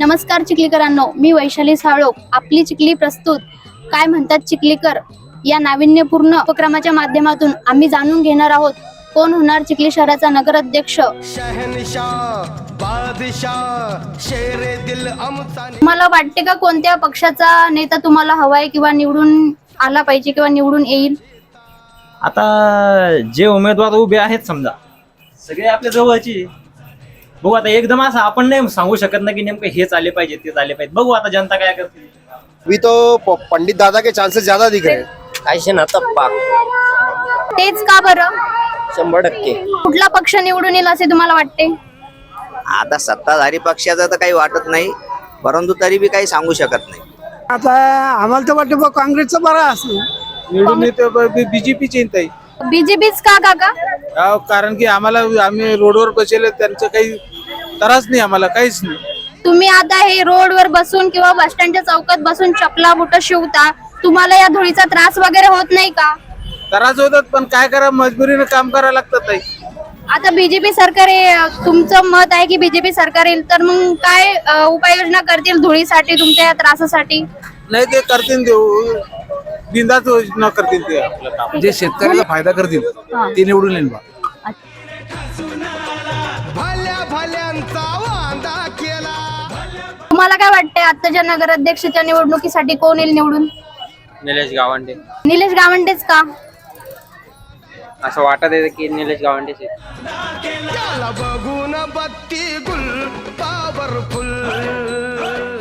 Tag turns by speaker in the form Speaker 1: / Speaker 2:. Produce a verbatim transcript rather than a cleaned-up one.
Speaker 1: नमस्कार चिखलीकरांनो, मी वैशाली साळोख. आपली चिखली प्रस्तुत काय म्हणतात चिखलीकर या नाविन्यपूर्ण उपक्रमाच्या माध्यमातून आम्ही जाणून घेणार आहोत कोण होणार चिखली शहराचा नगराध्यक्ष. तुम्हाला वाटते का कोणत्या पक्षाचा नेता तुम्हाला हवाय किंवा निवडून आला पाहिजे किंवा निवडून येईल?
Speaker 2: आता जे उमेदवार उभे आहेत समजा सगळे आपल्या जवळची, बघू आता एकदम असं आपण नाही सांगू शकत ना की नेमकं हेच आले पाहिजे तेच आले पाहिजे. बघू आता जनता काय करते.
Speaker 3: अभी तो पंडित दादा के चांसेस ज्यादा दिख रहे हैं.
Speaker 4: कायशे ना तप्पा
Speaker 1: तेच का बरं?
Speaker 4: शंभर टक्के.
Speaker 1: कुठला पक्ष निवडून येईल असे तुम्हाला वाटते?
Speaker 4: आता सत्ताधारी पक्षाचं तर काही वाटत नाही, परंतु तरी बी काही सांगू शकत नाही.
Speaker 5: आता आम्हाला तर वाटतं काँग्रेसचं बरं असं
Speaker 6: निवडून येते बीजेपी चिंता आहे.
Speaker 1: बीजेपीच का काका?
Speaker 6: अहो, कारण की आम्हाला आम्ही रोडवर बसले त्यांचं काही त्रास नाही, आम्हाला काहीच नाही.
Speaker 1: तुम्ही आता हे रोडवर बसून किंवा बस स्टँडच्या चौकात बसून चपला बुट शिवता, तुम्हाला या धुळीचा त्रास वगैरे होत नाही का?
Speaker 6: त्रास होतात पण काय करा, मजबुरीने काम करायला लागतं ताई.
Speaker 1: आता बीजेपी सरकार आहे, तुमचं मत आहे की बीजेपी सरकार येईल, तर मग काय अ, उपाययोजना करतील धुळीसाठी तुमच्या या त्रासासाठी?
Speaker 6: नाही ते करतील, देऊ बिंदाच योजना करतील ते आपलं काम.
Speaker 7: जे शेतकऱ्याला फायदा करतील ते निवडून येईल बा.
Speaker 1: तुम्हाला काय वाटतंय आताच्या नगराध्यक्षाच्या निवडणुकीसाठी कोण येईल निवडून?
Speaker 2: निलेश गावंडे.
Speaker 1: निलेश गावंडेच का?
Speaker 2: असं वाटत आहे की निलेश गावंडेच आहे.
Speaker 3: बघून बत्ती गुल पॉवरफुल